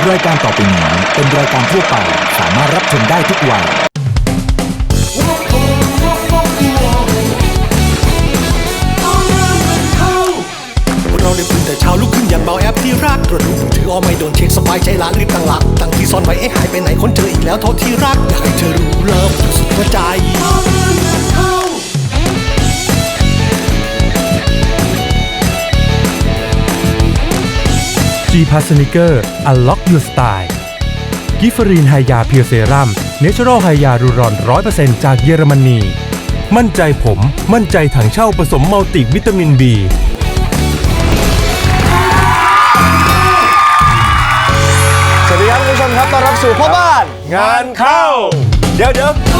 รายการต่อไปนี้เป็นรายการทั่วไปสามารถรับชมได้ทุกวัยเราได้ตื่นแต่เช้าลุกขึ้นอย่างเบาแอปที่รักตรวจดูมือถือไม่โดนเช็คสบายใจละรีบตั้งหลักตั้งที่ซ่อนไว้หายไปไหนคนเจออีกแล้วโทษที่รักอยากให้เธอรู้เลิฟสุดหัวใจ G-Pass Sneaker Unlock Your Style กิฟฟรีนไฮยาเพียวเซรั่มเนเชอรัลไฮยารูรอน 100% จากเยอรมนีมั่นใจผมมั่นใจถังเช่าผสมมัลติวิตามิน B สวัสดีครับคุณผู้ชมครับต้อนรับสู่พ่อบ้านงานเข้าเดี๋ยว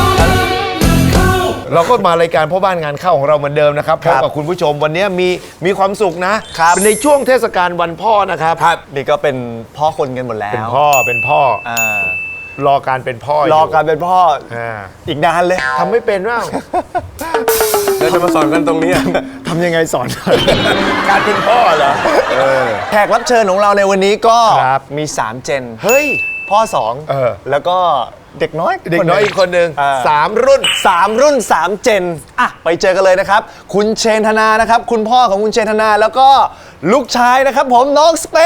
เราก็มารายการพ่อบ้านงานเข้าของเราเหมือนเดิมนะครับพบกับคุณผู้ชมวันนี้มีความสุขนะเป็นในช่วงเทศกาลวันพ่อนะครับนี่ก็เป็นพ่อคนกันหมดแล้วเป็นพ่อรอการเป็นพ่อรอการเป็นพ่ออีกนานเลยทำไม่เป็นว่าแล้วจะมาสอนกันตรงนี้ทำยังไงสอนการเป็นพ่อเหรอแขกรับเชิญของเราในวันนี้ก็มี3เจนเฮ้ยพ่อ2แล้วก็เด็กน้อยอีกคนหนึ่ง3 รุ่น 3 เจนไปเจอกันเลยนะครับคุณเชนธนานะครับคุณพ่อของคุณเชนธนาแล้วก็ลูกชายนะครับผมน้องสเป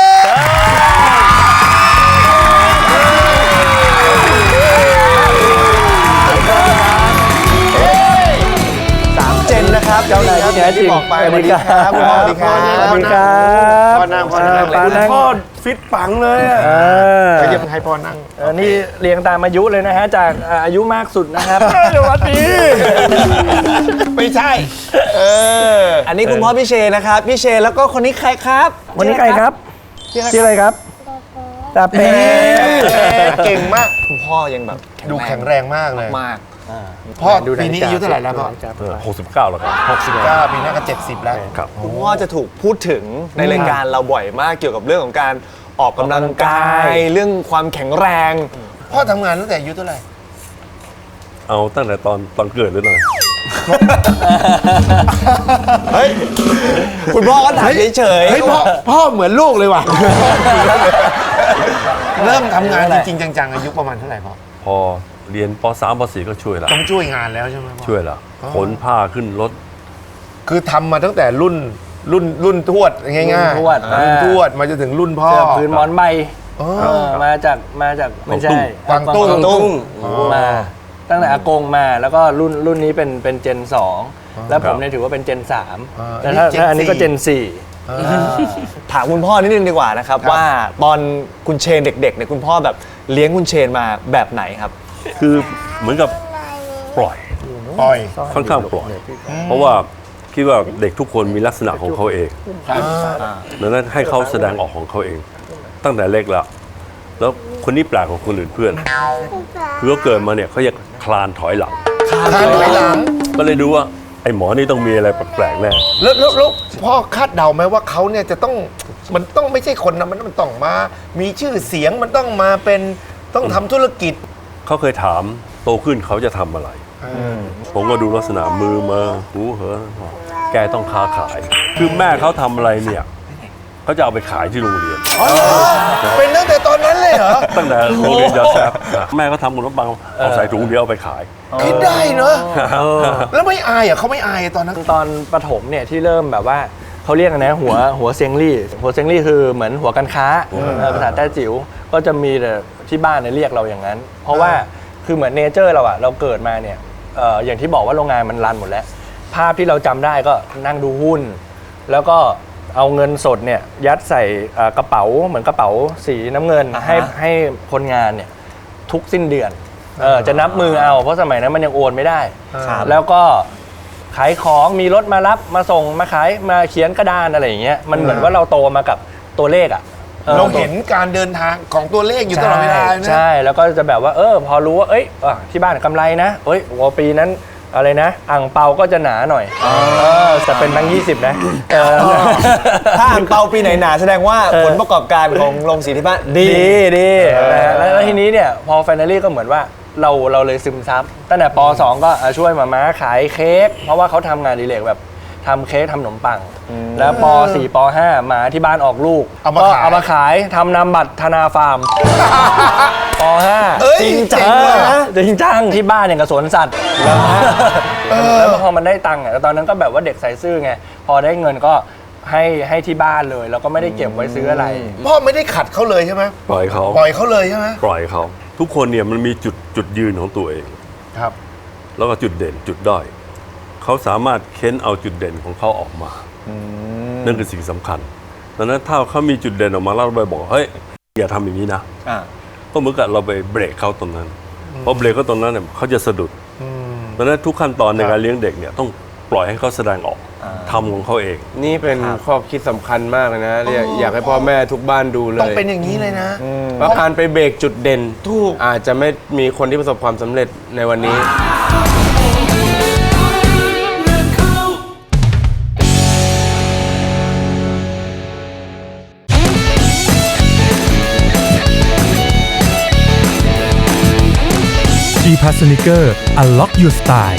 3 เจนนะครับเจ้านายที่แท้จริงบอกไปสวัสดีครับคุณพ่อสวัสดีครับพ่อนั่งพ่อฟิตปังเลยก็ยังให้พ่อนั่งนี่เรียงตามอายุเลยนะฮะจากอายุมากสุดนะครับสวัสดีไม่ใช่อันนี้คุณพ่อพี่เชนนะครับพี่เชนแล้วก็คนนี้ใครครับคนนี้ใครครับชื่ออะไรครับตาเป้เก่งมากคุณพ่อยังแบบดูแข็งแรงมากเลยมากพ่อปีนี้อายุเท่าไหร่แล้วพ่อ 69แล้วครับ 69ปีหน้าก็70แล้วคุณพ่อจะถูกพูดถึงในรายการเราบ่อยมากเกี่ยวกับเรื่องของการออกกำลังกายเรื่องความแข็งแรงพ่อทำงานตั้งแต่อายุเท่าไหร่เอาตั้งแต่ตอนเกิดหรือไงเฮ้ยคุณพ่อก็ถามเฉยๆเฮ้ยพ่อเหมือนลูกเลยว่ะเริ่มทำงานจริงๆจังๆอายุประมาณเท่าไหร่พ่อพอเรียนป.3 ป.4 ก็ช่วยละต้องช่วยงานแล้วใช่ไหมพ่อช่วยละขนผ้าขึ้นรถคือทำมาตั้งแต่รุ่นทวดง่ายๆรุ่นทวดมาจนถึงรุ่นพ่อเสื้อผืนหมอนใบมาจากไม่ใช่กวางตุ้งมาตั้งแต่อากงมาแล้วก็รุ่นนี้เป็นเจน2แล้วผมเนี่ยถือว่าเป็นเจน3แต่ถ้าอันนี้ก็เจน4 ถามคุณพ่อนิดนึงดีกว่านะครับว่าตอนคุณเชนเด็กๆเนี่ยคุณพ่อแบบเลี้ยงคุณเชนมาแบบไหนครับคือเหมือนกับปล่อยค่อนข้างปล่อยเพราะว่าคิดว่าเด็กทุกคนมีลักษณะของเขาเองดังนั้นให้เขาแสดงออกของเขาเองตั้งแต่เล็กแล้วคนนี้แปลกกว่าคนอื่นเพื่อนคือเขาเกิดมาเนี่ยเขาจะคลานถอยหลังก็เลยดูว่าไอ้หมอนี่ต้องมีอะไรแปลกๆแน่แล้วพ่อคาดเดาไหมว่าเขาเนี่ยจะต้องมันต้องไม่ใช่คนนะมันต้องมามีชื่อเสียงมันต้องมาเป็นต้องทำธุรกิจเขาเคยถามโตขึ้นเขาจะทำอะไรผมก็ดูลักษณะมือมาหูเหอแกต้องค้าขายคือแม่เขาทำอะไรเนี่ยเขาจะเอาไปขายที่โรงเรียนเป็นตั้งแต่ตอนนั้นเลยเหรอตั้งแต่โรงเรียนยาแซบแม่ก็ทำขนมปังเอาใส่ถุงเดียวเอาไปขายคิดได้เนอะแล้วไม่อายอ่ะเขาไม่อายตอนนั้นตอนประถมเนี่ยที่เริ่มแบบว่าเขาเรียกนะหัวเซียงลี่คือเหมือนหัวการค้าภาษาแต้จิ๋วก็จะมีแต่ที่บ้านเนี่ยเรียกเราอย่างนั้นเพราะว่าคือเหมือนเนเจอร์เราอะเราเกิดมาเนี่ยอย่างที่บอกว่าโรงงานมันรันหมดแล้วภาพที่เราจำได้ก็นั่งดูหุ้นแล้วก็เอาเงินสดเนี่ยยัดใส่กระเป๋าเหมือนกระเป๋าสีน้ำเงินให้คนงานเนี่ยทุกสิ้นเดือนจะนับมือเอาเพราะสมัยนั้นมันยังโอนไม่ได้แล้วก็ขายของมีรถมารับมาส่งมาขายมาเขียนกระดานอะไรอย่างเงี้ยมันเหมือนว่าเราโตมากับตัวเลขอะเราเห็นการเดินทางของตัวเลขอยู่ตลอดเวลานะใช่แล้วก็จะแบบว่าพอรู้ว่าที่บ้านกำไรนะปีนั้นอะไรนะอ่างเปาก็จะหนาหน่อยแต่เป็นแบงค์20นะถ้าอ่างเปาปีไหนหนาแสดงว่าผลประกอบการของโรงสีที่บ้านดีแล้วทีนี้เนี่ยพอไฟนอลลี่ก็เหมือนว่าเราเลยซึมซับตั้งแต่ป.2 ก็ช่วยมาม่าขายเค้กเพราะว่าเขาทำงานอดิเรกแบบทำเค้กทำขนมปัง แล้วป .4 ป .5 หมาที่บ้านออกลูกเอามาก็ขายเอามาขายทำนามบัตรธนาฟาร์ม ปเอ้ย .5 จริงจัเจ๋งงเลยนะจริงจังที่บ้านอย่างกับสวนสัตว์แล้วพอมันได้ตังค์ตอนนั้นก็แบบว่าเด็กใส่ซื่อไงพอได้เงินก็ให้ที่บ้านเลยแล้วก็ไม่ได้เก็บไว้ซื้ออะไรพ่อไม่ได้ขัดเขาเลยใช่ไหมปล่อยเขาปล่อยเขาเลยใช่ไหมปล่อยเขาทุกคนเนี่ยมันมีจุดยืนของตัวเองครับแล้วก็จุดเด่นจุดด้อยเขาสามารถเค้นเอาจุดเด่นของเขาออกมานั่นคือสิ่งสำคัญดังนั้นถ้าเขามีจุดเด่นออกมาแล้วเราไปบอกเฮ้ยอย่าทำอย่างนี้นะก็เหมือนกับเราไปเบรกเขาตรงนั้นเพราะเบรกเขาตรงนั้นเนี่ยเขาจะสะดุดดังนั้นทุกขั้นตอนในการเลี้ยงเด็กเนี่ยต้องปล่อยให้เขาแสดงออกทำของเขาเองนี่เป็นข้อคิดสำคัญมากเลยนะอยากให้พ่อแม่ทุกบ้านดูเลต้องยเป็นอย่างนี้เลยนะว่าการไปเบรกจุดเด่นถูกอาจจะไม่มีคนที่ประสบความสำเร็จในวันนี้ G Pass Sneaker Unlock Your Style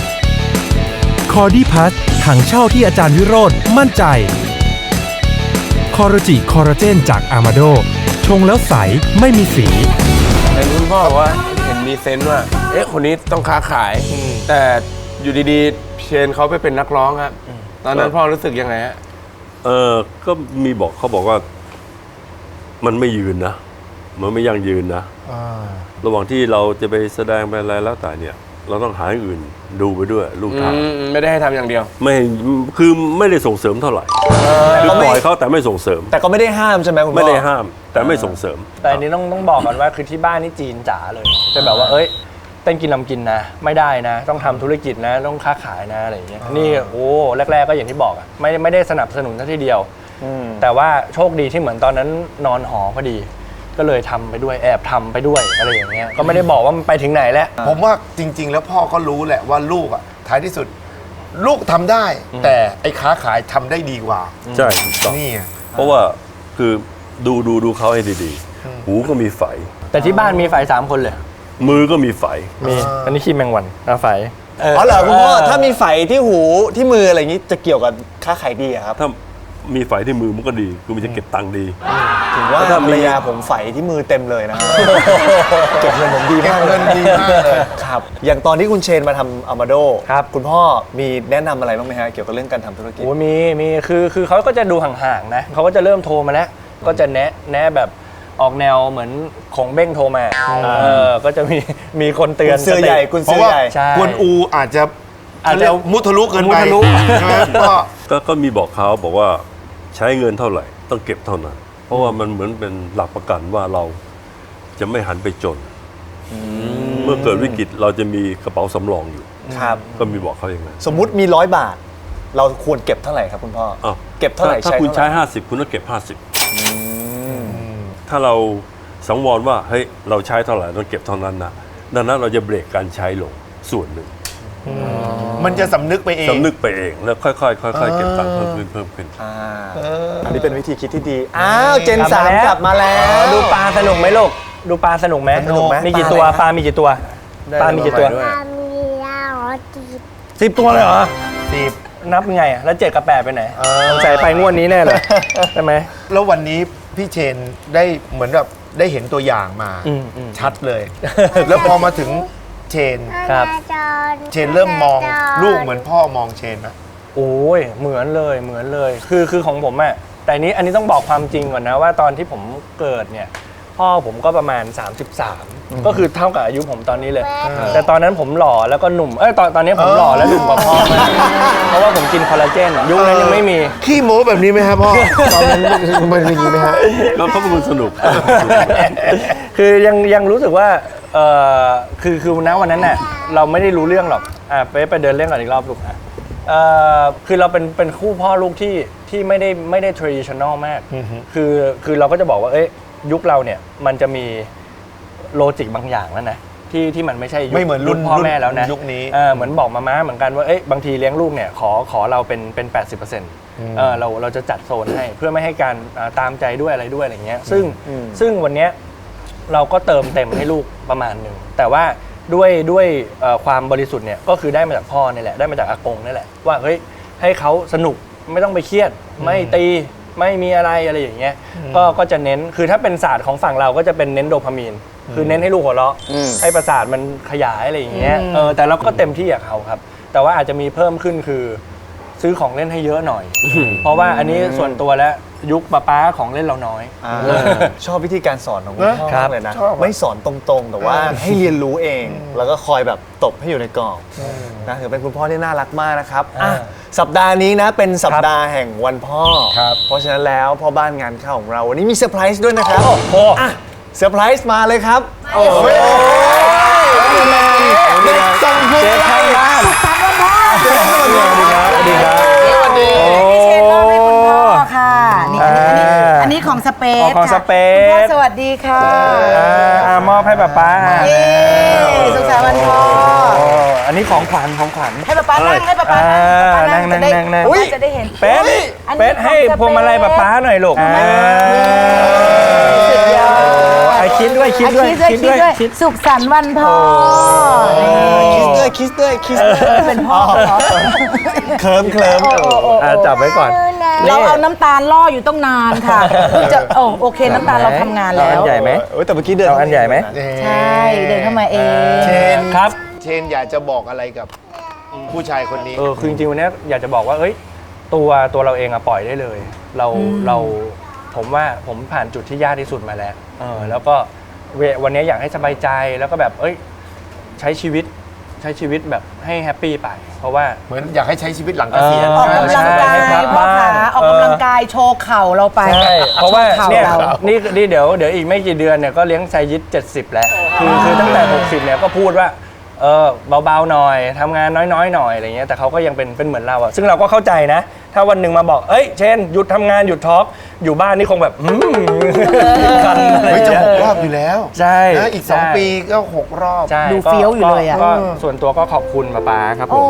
Cordy Pass ถังเช่าที่อาจารย์วิโรจน์มั่นใจคอร์จิคอลลาเจนจากอามาโดชงแล้วใสไม่มีสีเห็นคุณพ่อบอกว่าเห็นมีเซนส์ว่า เอ๊ะ คนนี้ต้องค้าขาย แต่อยู่ดีๆ เชนเขาไปเป็นนักร้องครับ ตอนนั้นพ่อรู้สึกยังไงฮะก็มีบอกเขาบอกว่ามันไม่ยืนนะมันไม่ยั่งยืนนะระหว่างที่เราจะไปแสดงไปอะไรแล้วแต่เนี่ย เราต้องหาอย่างอื่นดูไปด้วยลูกทางไม่ได้ให้ทำอย่างเดียวไม่คือไม่ได้ส่งเสริมเท่าไหร่คือปล่อยเขาแต่ไม่ส่งเสริมแต่ก็ไม่ได้ห้ามใช่ไหมคุณพ่อไม่ได้ห้ามแต่ไม่ส่งเสริมแต่อันนี้ต้องบอกก่อนว่าคือที่บ้านนี่จีนจ๋าเลยจะแบบว่าเอ้ยเต้นกินลำกินนะไม่ได้นะ ต้องทำธุรกิจนะต้องค้าขายนะอะไรอย่างเงี้ยนี่โอ้แรกๆก็อย่างที่บอกอะไม่ได้สนับสนุนซะทีเดียวแต่ว่าโชคดีที่เหมือนตอนนั้นนอนหอพอดีก็เลยทำไปด้วยแอบทำไปด้วยอะไรอย่างเงี้ยก็ไม่ได้บอกว่ามันไปถึงไหนแล้วผมว่าจริง ๆ แล้วพ่อก็รู้แหละว่าลูกอ่ะท้ายที่สุด ลูกทำได้ แต่ไอ้ค้าขายทำได้ดีกว่าใช่ถูกต้องนี่ไงเพราะว่าคือดูเขาให้ดีๆ หูก็มีไฝแต่ที่บ้านมีไฟ3 คนเลยมือก็มีไฝมีอันนี้ขี้แมงวันไฟอ๋อเหรอคุณพ่อถ้ามีไฝที่หูที่มืออะไรอย่างนี้จะเกี่ยวกับค้าขายดีอะครับถ้ามีไฝที่มือมันก็ดีคือมันจะเก็บตังค์ดีถึงว่าถ้ามีภรรยาผมไฝที่มือเต็มเลยนะ เก็บเงินผมดีเก็บมากเงินดีมากเลยครับ อย่างตอนที่คุณเชนมาทำอามาโดครับคุณพ่อมีแนะนำอะไรบ้างไหมฮะเกี่ยวกับเรื่องการทำธุรกิจโอ้มีคือเขาก็จะดูห่างๆนะเขาก็จะเริ่มโทรมาแล้วก็จะแนะแบบออกแนวเหมือนของเบ้งโทรมาก็จะมีคนเตือนกุญซื้อใหญ่กุญเพซื้ราะอว่าใหญ่ใช่กวนอูอาจจะ มุทะลุเกินไปมุทะลุใช่ไหมพ่อก็มีบอกเขาบอกว่าใช้เงินเท่าไหร่ต้องเก็บเท่านั้น เพราะว่ามันเหมือนเป็นหลักประกันว่าเราจะไม่หันไปจน เมื่อเกิดวิกฤตเราจะมีกระเป๋าสำรองอยู่ครับก็มีบอกเขาอย่างนั้นสมมุติมี100 บาท เราควรเก็บเท่าไหร่ครับคุณพ่ออ้าวเก็บเท่าไหร่ถ้าใช้คุณเท่าไหใช้ร่ 50คุณต้องเก็บ50ถ้าเราสังวรว่าเฮ้ยเราใช้เท่าไหร่ต้องเก็บเท่านั้นนะดังนั้นเราจะเบรกการใช้ลงส่วนหนึ่งมันจะสำนึกไปเองสำนึกไปเองแล้วค่อยๆเก็บตังค์เพิ่มขึ้นอันนี้เป็นวิธีคิดที่ดี อ้าวเจนสามกลับมาแล้วดูปลาสนุกไหมลูกดูปลาสนุกไหมสนุกไหมมีกี่ตัวปลามีกี่ตัวปลามีกี่ตัวได้ 10 ตัวเลยเหรอนับไงอะแล้ว7 กับ 8ไปไหนใส่ไปงวดนี้แน่เลยใช่ไหมแล้ววันนี้พี่เชนได้เหมือนแบบได้เห็นตัวอย่างมา ชัดเลย แล้วพอมาถึงเชนครับเชนเริ่มมองลูกเหมือนพ่อมองเชนไหมโอ้ยเหมือนเลยคือของผมอะแต่อันนี้ต้องบอกความจริงก่อนนะว่าตอนที่ผมเกิดเนี่ยพ่อผมก็ประมาณ 33 ก็คือเท่ากับอายุผมตอนนี้เลย แต่ตอนนั้นผมหล่อแล้วก็หนุ่มตอนนี้ผมหล่อและหนุ่มกว่าพ่อมากเพราะว่าผมกินคอลลาเจนยุคนั้นยังไม่มีขี้โม้แบบนี้ไหมครับพ่อ ตอนนั้นมันอย่างนี้ไหมฮะแล้วเขาเป็นคนสนุกคือยังรู้สึกว่าคือณวันนั้นน่ะเราไม่ได้รู้เรื่องหรอกไปเดินเล่นก่อนอีกรอบลูกคือเราเป็นคู่พ่อลูกที่ไม่ได้ traditional มากคือเราก็จะบอกว่ายุคเราเนี่ยมันจะมีโลจิกบางอย่างแล้วนะที่มันไม่ใช่ยุคไม่เหมือนรุ่นพ่อแม่แล้วนะยุคนี้เหมือนบอกมาม่าเหมือนกันว่าบางทีเลี้ยงลูกเนี่ยขอเราเป็น 80%เราจะจัดโซนให้เพื่อไม่ให้การตามใจด้วยอะไรด้วยอะไรเงี้ยซึ่งวันเนี้ยเราก็เติมเต็มให้ลูกประมาณหนึ่งแต่ว่าด้วยความบริสุทธิ์เนี่ยก็คือได้มาจากพ่อนี่แหละได้มาจากอากงนี่แหละว่าเฮ้ยให้เขาสนุกไม่ต้องไปเครียดไม่ตีไม่มีอะไรอย่างเงี้ยก็จะเน้นคือถ้าเป็นศาสตร์ของฝั่งเราก็จะเป็นเน้นโดพามีนคือเน้นให้ลูกหัวเราะให้ประสาทมันขยายอะไรอย่างเงี้ยแต่เราก็เต็มที่กับเขาครับแต่ว่าอาจจะมีเพิ่มขึ้นคือซื้อของเล่นให้เยอะหน่อย เพราะว่าอันนี้ส่วนตัวแล้วยุคป๊าของเล่นเราน้อยชอบวิธีการสอนของคุณพ่อครับเลยนะไม่สอนตรงๆแต่ว่าให้เรียนรู้เอง แล้วก็คอยแบบตบให้อยู่ในกรอบนะถือเป็นคุณพ่อที่น่ารักมากนะครับอ่ะสัปดาห์นี้นะเป็นสัปดาห์แห่งวันพ่อเพราะฉะนั้นแล้วพ่อบ้านงานเข้าของเราวันนี้มีเซอร์ไพรส์ด้วยนะครับอ่ะเซอร์ไพรส์มาเลยครับโอ้โหส่งคุณอะไรสวัสดีครับสวัสดีนี่เชนมอบให้คุณพ่อค่ะนี่อันนี้ของสเปซของสเปซคุณพ่อสวัสดีค่ะมอบให้ป๊าเย้สุขสันต์วันพ่ออันนี้ของขวัญให้ป๊านั่งให้ป๊านั่งจะได้จะได้เห็นเป็ดให้พวงมาลัยป๊าหน่อยลูกสุดยอดคิดด้วยสุขสันต์วันพ่อคิสด้วยเป็นพ่อเคลิ้มจับไว้ก่อนเราเอาน้ำตาลล่ออยู่ต้องนานค่ะจะโอเคน้ำตาลเราทำงานแล้วอันใหญ่ไหมแต่เมื่อกี้เดินเอาอันใหญ่ไหมใช่เดินเข้ามาเองเชนครับเชนอยากจะบอกอะไรกับผู้ชายคนนี้คือจริงๆวันนี้อยากจะบอกว่าตัวเราเองอะปล่อยได้เลยเราผมว่าผมผ่านจุดที่ยากที่สุดมาแล้วแล้วก็วันนี้อยากให้สบายใจแล้วก็แบบใช้ชีวิตแบบให้แฮปปี้ไปเพราะว่าเหมือนอยากให้ใช้ชีวิตหลังเกษียณออกกำลังกายพ่อขาออกกำลังกายโชว์เข่าเราไปใช่เพราะว่าโชข่เนี่ยเรานี่เดี๋ยวอีกไม่กี่เดือนเนี่ยก็เลี้ยงไซยิต70แล้วคือตั้งแต่60เนี่ยก็พูดว่าเบาๆหน่อยทำงานน้อยๆหน่อยอะไรเงี้ยแต่เขาก็ยังเป็นเหมือนเราอะซึ่งเราก็เข้าใจนะถ้าวันหนึ่งมาบอกเช่นหยุดทำงานหยุดทอล์กอยู่บ้านนี่คงแบบกันอะไรเฮ้ยจะเงี้ย 6 รอบอยู่แล้วใช่นะอีก 2 ปีก็ 6 รอบใช่ดูเฟี้ยวอยู่เลยอะก็ส่วนตัวก็ขอบคุณป๊าครับผม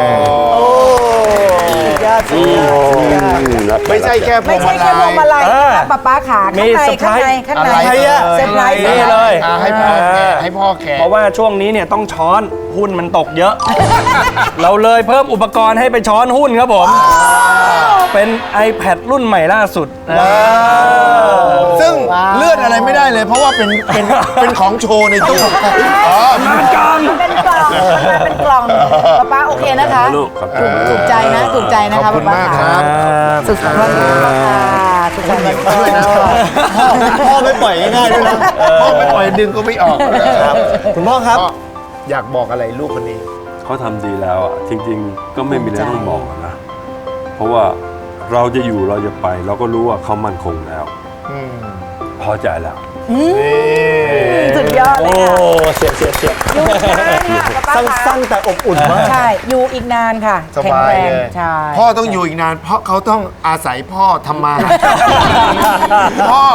ไม่ใช่แค่พวไม่งใช่มาแค่พวงมาลัยลัยนะป๊าขามีข้างในข้างในอะไรอะเซอร์ไพรส์นี่เลยให้พ่อแกะให้พ่อแกะเพราะว่าช่วงนี้เนี่ยต้องช้อนหุ้นมันตกเยอะ เราเลยเพิ่มอุปกรณ์ให้ไปช้อนหุ้นครับผม เป็น iPad รุ่นใหม่ล่าสุดซึ่งเลื่อนอะไรไม่ได้เลย เพราะว่าเป็นของโชว์ในตู้อ๋อมันกลางเป็นกล่องเป็นกล่องป๊าโอเคนะคะลูกครับถูกใจนะขอบคุณมากครับสุขสันต์วันพ่อค่ะสุขสันต์วันพ่อด้วยนะพ่อไม่ปล่อยง่ายๆด้วยนะพ่อไม่ปล่อยดึงก็ไม่ออกคุณพ่อครับพ่ออยากบอกอะไรลูกคนนี้เขาทำดีแล้วอ่ะจริงๆ ก็ไม่มีอะไรต้องบอกอะนะเพราะว่าเราจะอยู่เราจะไป เราก็รู้ว่าเขามั่นคงแล้วพอใจแล้วสุดยอดเลยค่ะเสียอยู่อีกนานค่ะป๊าสั้นๆแต่อบอุ่นมากใช่ อยู่อีกนานค่ะสแข็งบายแรงเลยใช่พ่อต้องอยู่อีกนาน เพราะเขาต้องอาศัยพ่อทำมาหาพ่อ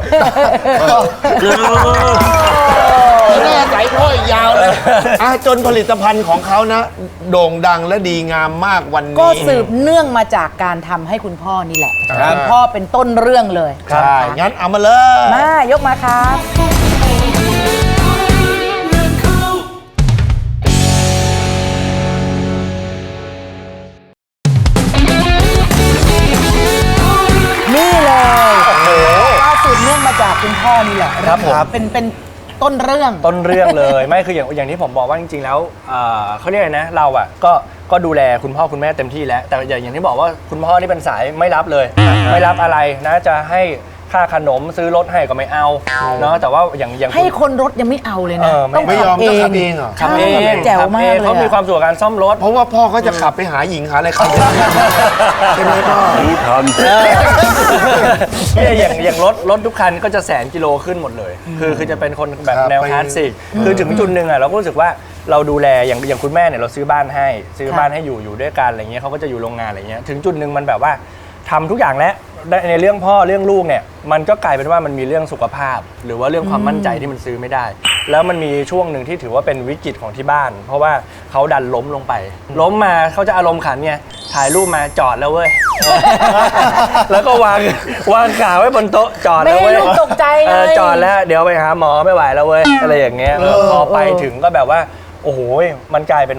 ต้องอาศัยพ่ออีกยาวเลยจนผลิตภัณฑ์ของเขานะ โด่งดังและดีงามมากวันนี้ก็สืบเนื่องมาจากการทำให้คุณพ่อนี่แหละคุณพ่อเป็นต้นเรื่องเลยใช่งั้นเอามาเลยมายกมาครับนี่เลยก็สืบเนื่องมาจากคุณพ่อนี่แหละครับผมเป็นต้นเรื่องต้นเรื่องเลย ไม่คืออย่างที่ผมบอกว่าจริงๆแล้วเขาเรียกอะไรนะเราอ่ะก็ดูแลคุณพ่อคุณแม่เต็มที่แล้วแต่อย่างที่บอกว่าคุณพ่อนี่เป็นสายไม่รับเลย ไม่รับอะไรนะจะให้ค่าขนมซื้อรถให้ก็ไม่เอาเนาะแต่ว่าอย่างให้คนรถยังไม่เอาเลยนะไม่ไม่ยอมขับต้องขับเองเหรอขับเองแจ๋วมากเลยเขามีความสุขกับการซ่อมรถเพราะว่าพ่อเขาจะขับไปหาหญิงหาอะไรขับใช่ไหมพ่อรู้ทันเนี่ยอย่างรถทุกคันก็จะ100,000 กิโลขึ้นหมดเลย คือจะเป็นคนแบบแนวคลาสสิกคือถึงจุดหนึ่งอ่ะเราก็รู้สึกว่าเราดูแลอย่างคุณแม่เนี่ยเราซื้อบ้านให้อยู่ด้วยกันอะไรเงี้ยเขาก็จะอยู่โรงงานอะไรเงี้ยถึงจุดหนึ่งมันแบบว่าทำทุกอย่างแล้วในเรื่องพ่อเรื่องลูกเนี่ยมันก็กลายเป็นว่ามันมีเรื่องสุขภาพ หรือว่าเรื่องความมั่นใจที่มันซื้อไม่ได้ แล้วมันมีช่วงหนึ่งที่ถือว่าเป็นวิกฤตของที่บ้าน เพราะว่าเขาดันล้มลงไป ล้มมาเขาจะอารมณ์ขันไงถ่ายรูปมาจอดแล้วเว้ย แล้วก็วางขาไว้บนโต๊ะจอดไม่แล้วให้เว้ยลูกตกใจไงจอดแล้วเดี๋ยวไปหาหมอไม่ไหวแล้วเว้ยอะไรอย่างเงี้ยพอไปถึงก็แบบว่าโอ้โหมันกลายเป็นว่า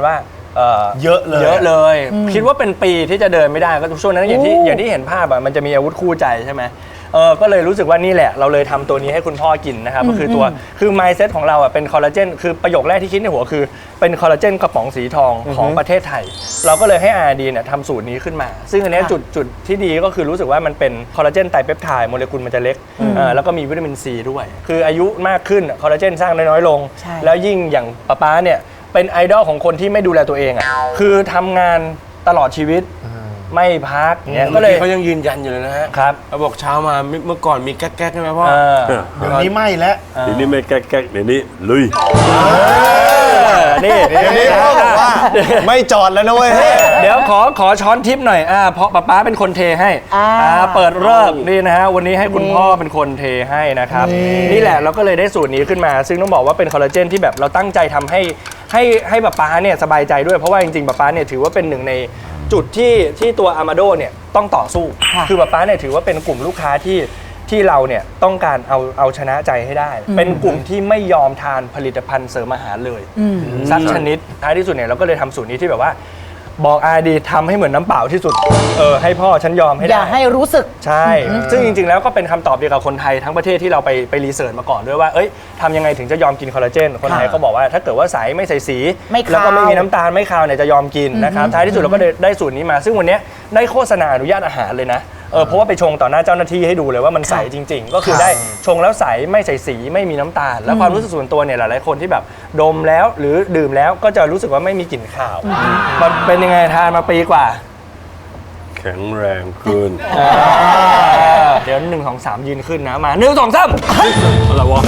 เยอะเลยเยอะเลย คิดว่าเป็นปีที่จะเดินไม่ได้ก็ช่วงนั้นอย่างที่เห็นภาพอะมันจะมีอาวุธคู่ใจใช่ไหมก็เลยรู้สึกว่านี่แหละเราเลยทำตัวนี้ให้คุณพ่อกินนะครับก็คือคือ mindset ของเราอ่ะเป็นคอลลาเจนคือประโยคแรกที่คิดในหัวคือเป็นคอลลาเจนกระป๋องสีทองของประเทศไทยเราก็เลยให้ R&D เนี่ยทำสูตรนี้ขึ้นมาซึ่งอันนี้จุดที่ดีก็คือรู้สึกว่ามันเป็นคอลลาเจนไตรเปปไทด์โมเลกุลมันจะเล็กแล้วก็มีวิตามินซีด้วยคืออายุมากขึ้นคอลลาเจนสร้างน้อยๆลงแล้วยิ่งอย่างป๊าเนี่ยเป็นไอดอลของคนที่ไม่ดูแลตัวเองอ่ะคือทำงานตลอดชีวิตไม่พักเนี่ยก็เลยเขายังยืนยันอยู่เลยนะฮะครับเขาบอกเช้ามาเมื่อก่อนมีแก๊กๆใช่ไหมพ่อเดี๋ยวนี้ไม่แล้วเดี๋ยวนี้ไม่แก๊กๆเดี๋ยวนี้ลุยนี่นี่พ่อบอกว่าไม่จอดแล้วนะเว้ยเดี๋ยวขอช้อนทิปหน่อยเพราะป๊าเป็นคนเทให้เปิดเลิกนี่นะฮะวันนี้ให้คุณพ่อเป็นคนเทให้นะครับนี่แหละเราก็เลยได้สูตรนี้ขึ้นมา ซึ่งต้องบอกว่าเป็นคอลลาเจนที่แบบเราตั้งใจทำให้ป๊าเนี่ยสบายใจด้วยเพราะว่าจริงๆป๊าเนี่ยถือว่าเป็นหนึ่งในจุดที่ตัวอามาโดเนี่ยต้องต่อสู้คือป๊าเนี่ยถือว่าเป็นกลุ่มลูกค้าที่เราเนี่ยต้องการเอาชนะใจให้ได้ เป็นกลุ่มที่ไม่ยอมทานผลิตภัณฑ์เสริมอาหารเลยสักชนิดท้ายที่สุดเนี่ยเราก็เลยทำสูตรนี้ที่แบบว่าบอกR&Dทำให้เหมือนน้ำเปล่าที่สุดให้พ่อฉันยอมให้ได้อย่าให้รู้สึกใช่ซึ่งจริงๆแล้วก็เป็นคำตอบเดียวกับคนไทยทั้งประเทศที่เราไปรีเสิร์ชมาก่อนด้วยว่าทำยังไงถึงจะยอมกินคอลลาเจนคนไทยก็บอกว่าถ้าเกิดว่าใสไม่ใส่สีแล้วก็ไม่มีน้ำตาลไม่คาวเนี่ยจะยอมกินนะครับท้ายที่สุดเราก็ได้สูตรนี้มาซึ่งวันนี้ได้โฆษณาอนุญาตอาหารเลยนะเพราะว่าไปชงต่อหน้าเจ้าหน้าที่ให้ดูเลยว่ามันใสจริงๆก็คือได้ชงแล้วใสไม่ใส่สีไม่มีน้ำตาลแล้วความรู้สึกส่วนตัวเนี่ยหลายๆคนที่แบบดมแล้วหรือดื่มแล้วก็จะรู้สึกว่าไม่มีกลิ่นคาวมันเป็นยังไงทานมาปีกว่าแข็งแรงขึ้นเดี๋ยว1 2 3ยืนขึ้นนะมา1 2 3อะไรวะ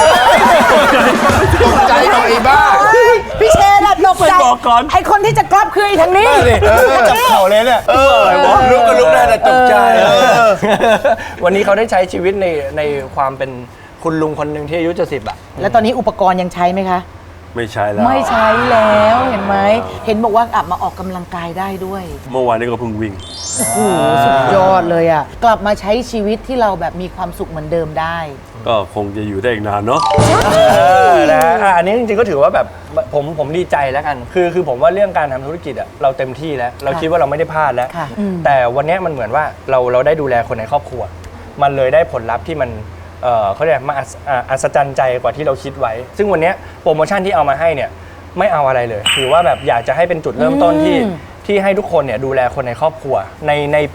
ตกใจหน่อยบ้าพี่เชนอะตกใจไอคนที่จะกลับคือไอทางนี้จับเข่าเลยเนี่ยอะไรวะลุกก็ลุกได้แต่ตกใจวันนี้เขาได้ใช้ชีวิตในความเป็นคุณลุงคนหนึ่งที่อายุจะ10อะแล้วตอนนี้อุปกรณ์ยังใช้ไหมคะไม่ใช้แล้วไม่ใช้แล้วเห็นไหมเห็นบอกว่ากลับมาออกกำลังกายได้ด้วยเมื่อวานนี้ก็เพิ่งวิ่งโอ้โหสุดยอดเลยอ่ะกลับมาใช้ชีวิตที่เราแบบมีความสุขเหมือนเดิมได้ก็คงจะอยู่ได้อีกนานเนาะอันนี้จริงๆก็ถือว่าแบบผมดีใจแล้วกันคือผมว่าเรื่องการทำธุรกิจอ่ะเราเต็มที่แล้วเราคิดว่าเราไม่ได้พลาดแล้วแต่วันนี้มันเหมือนว่าเราได้ดูแลคนในครอบครัวมันเลยได้ผลลัพธ์ที่มันเขาเรียกมาอัศจรรย์ใจกว่าที่เราคิดไว้ซึ่งวันนี้โปรโมชั่นที่เอามาให้เนี่ยไม่เอาอะไรเลยถือว่าแบบอยากจะให้เป็นจุดเริ่มต้นที่ให้ทุกคนเนี่ยดูแลคนในครอบครัวในปี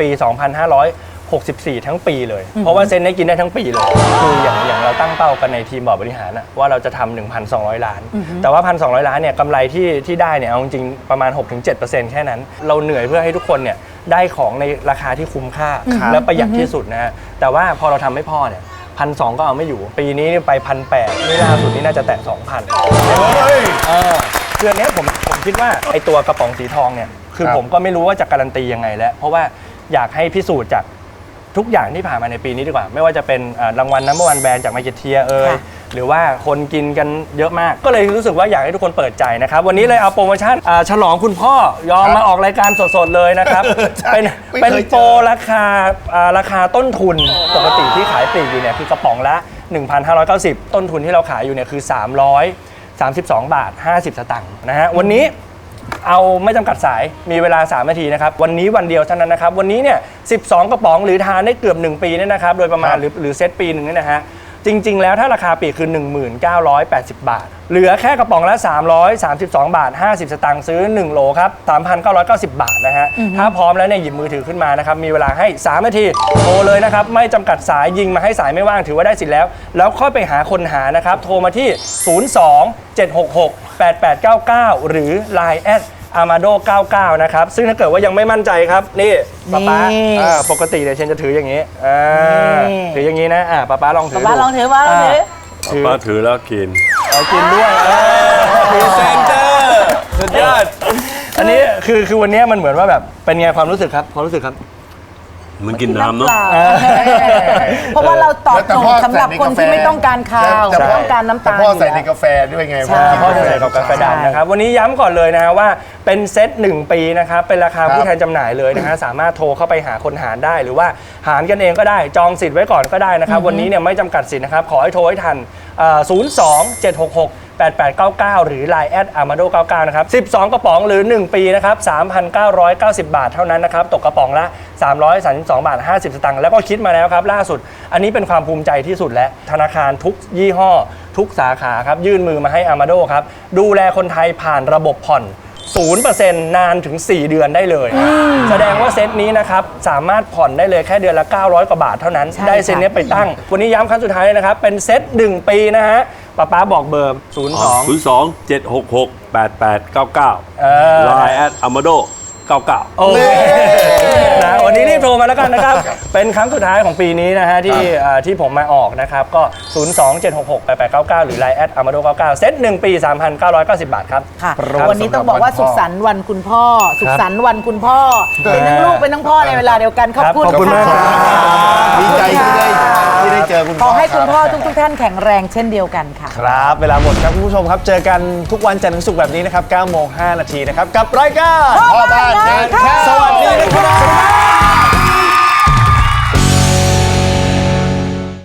2564 ทั้งปีเลยเพราะว่าเซนได้กินได้ทั้งปีเลยคืออย่างเราตั้งเป้ากันในทีมบอร์ดบริหารว่าเราจะทำ 1,200 ล้านแต่ว่า 1,200 ล้านเนี่ยกำไรที่ได้เนี่ยเอาจริงๆประมาณ 6-7% แค่นั้นเราเหนื่อยเพื่อให้ทุกคนเนี่ยได้ของในราคาที่คุ้มค่าและประหยัดที่สุดนะฮะแต่ว่าพอเราทำให้พ่อเนี่ย1,200ก็เอาไม่อยู่ปีนี้ไป 1,800นี่ล่าสุดนี่น่าจะแตะ 2,000คืออันนี้ผมคิดว่าไอตัวกระป๋องสีทองเนี่ยคือผมก็ไม่รู้ว่าจะการันตียังไงแล้วเพราะว่าอยากให้พิสูจน์จากทุกอย่างที่ผ่านมาในปีนี้ดีกว่าไม่ว่าจะเป็นรางวัลนัมเบอร์วันแบรนด์จากมาร์เก็ตเทียหรือว่าคนกินกันเยอะมากก็เลยรู้สึกว่าอยากให้ทุกคนเปิดใจนะครับวันนี้เลยเอาโปรโมชั่นฉลองคุณพ่อยอมมาออกรายการสดๆเลยนะครับเป็นโปรราคาต้นทุนปกติที่ขายปลีกอยู่เนี่ยคือกระป๋องละ 1,590 ต้นทุนที่เราขายอยู่เนี่ยคือ332 บาท 50 สตางค์นะฮะวันนี้เอาไม่จำกัดสายมีเวลา3 นาทีนะครับวันนี้วันเดียวเท่านั้นนะครับวันนี้เนี่ย12 กระป๋องหรือทานได้เกือบ1 ปีเนี่ยนะครับโดยประมาณหรือเซตปีหนึ่งเนี่ยนะฮะจริงๆแล้วถ้าราคาปลีกคือ 1980 บาทเหลือแค่กระป๋องละ332 บาท 50 สตางค์ซื้อ1โลครับ 3,990 บาทนะฮะถ้าพร้อมแล้วเนี่ยหยิบมือถือขึ้นมานะครับมีเวลาให้3 นาทีโทรเลยนะครับไม่จำกัดสายยิงมาให้สายไม่ว่างถือว่าได้สิทธิ์แล้วค่อยไปหาคนหานะครับโทรมาที่ 02-766-8899 หรือ Line@ Amado 99 นะครับซึ่งถ้าเกิดว่ายังไม่มั่นใจครับนี่ป๊าปกติเนี่ยเชนจะถืออย่างนี้ถืออย่างนี้นะป๊าลองถือป๊าลองถือป๊าถือแล้วกินด้วยพรีเซนเตอร์สุดยอดอันนี้คือวันนี้มันเหมือนว่าแบบเป็นไงความรู้สึกครับมันกินน้ำเนาะเพราะว่าเราตอบโจทย์สำหรับคนที่ไม่ต้องการคาวไม่ต้องการน้ำตาลพ่อใส่ในกาแฟด้วยไงพ่อใส่กับกาแฟดำนะครับวันนี้ย้ำก่อนเลยนะฮะว่าเป็นเซต1 ปีนะครับเป็นราคาผู้แทนจำหน่ายเลยนะฮะสามารถโทรเข้าไปหาคนหารได้หรือว่าหารกันเองก็ได้จองสิทธิ์ไว้ก่อนก็ได้นะครับวันนี้เนี่ยไม่จำกัดสิทธิ์นะครับขอให้โทรให้ทัน02-766 8899 หรือ Line @amado99 นะครับ 12 กระป๋องหรือ 1 ปีนะครับ 3,990 บาทเท่านั้นนะครับ ตกกระป๋องละ 332 บาท 50 สตางค์แล้วก็คิดมาแล้วครับล่าสุด อันนี้เป็นความภูมิใจที่สุดและธนาคารทุกยี่ห้อ ทุกสาขาครับยื่นมือมาให้ Amado ครับดูแลคนไทยผ่านระบบผ่อน 0% นานถึง 4 เดือนได้เลย แสดงว่าเซตนี้นะครับสามารถผ่อนได้เลยแค่เดือนละ 900 กว่าบาทเท่านั้น ได้เซตนี้ไปตั้ง วันนี้ย้ำครั้งสุดท้ายเลยนะครับ เป็นเซต 1 ปีนะฮะป๊าบอกเบอร์ 02 02 766 8899 Line @amado 99 โอเคนะวันนี้รีบโทรมาแล้วกันนะครับ เป็นครั้งสุดท้ายของปีนี้นะฮะที่ผมมาออกนะครับ ก็ 02-766-8899 หรือ Line @amado99 เซต 1 ปี 3,990 บาทครับค่ะ วันนี้ต้องบอกว่าสุขสันต์วันคุณพ่อ สุขสันต์วันคุณพ่อ เป็นทั้งลูกเป็นทั้งพ่อในเวลาเดียวกัน ขอบคุณขอบคุณมากครับดีใจที่ได้เจอคุณขอให้คุณพ่อทุกท่านแข็งแรงเช่นเดียวกันค่ะครับ เวลาหมดครับคุณผู้ชมครับ เจอกันทุกวันจันทร์ถึงศุกร์แบบนี้นะครับ 9:05 น. นะครับ กับรายการพ่อบ้านงานข้าวสวัสดีนะครับ